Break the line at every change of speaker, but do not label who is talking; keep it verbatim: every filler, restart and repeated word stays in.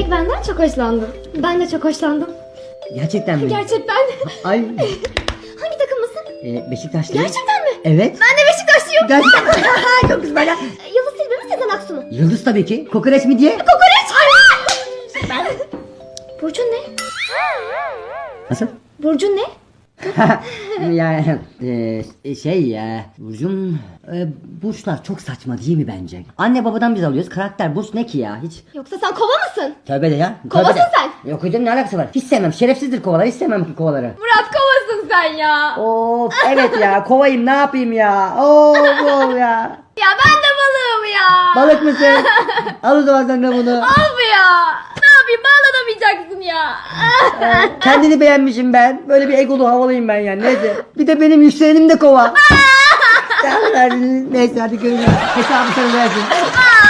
Demek benden çok hoşlandın. Ben de çok hoşlandım.
Gerçekten mi?
Gerçekten.
Ay.
Hangi takımlısın?
E, Beşiktaşlı.
Gerçekten mi?
Evet.
Ben de Beşiktaşlıyım.
Gerçekten. Çok güzel ya.
Yıldız Tilbe mi Sezen Aksu mu?
Yıldız tabii ki. Kokoreç mi diye?
Kokoreç! Ben... Burcun ne?
Nasıl?
Burcun ne?
ya e, şey ya Burcum e, burçlar çok saçma değil mi bence? Anne babadan biz alıyoruz. Karakter burç ne ki ya hiç?
Yoksa sen kova mısın?
Tövbe de ya.
Kovasın
tövbe de.
sen.
Yok hocam ne alakası var? Hiç sevmem. Şerefsizdir kovalar. Hiç sevmem ki kovaları.
Murat kovasın sen ya.
Of evet ya kovayım ne yapayım ya. Of of ya.
Ya ben de balığım ya.
Balık mısın? Al o zaman sen de bunu.
Al bu ya. Ne yapayım bağlanamayacaksın ya.
Ee, kendini beğenmişim ben. Böyle bir egolu havalıyım ben yani. Neyse. Bir de benim yükselenim de kova. Neyse hadi görüşürüz. Hesabı sana versin.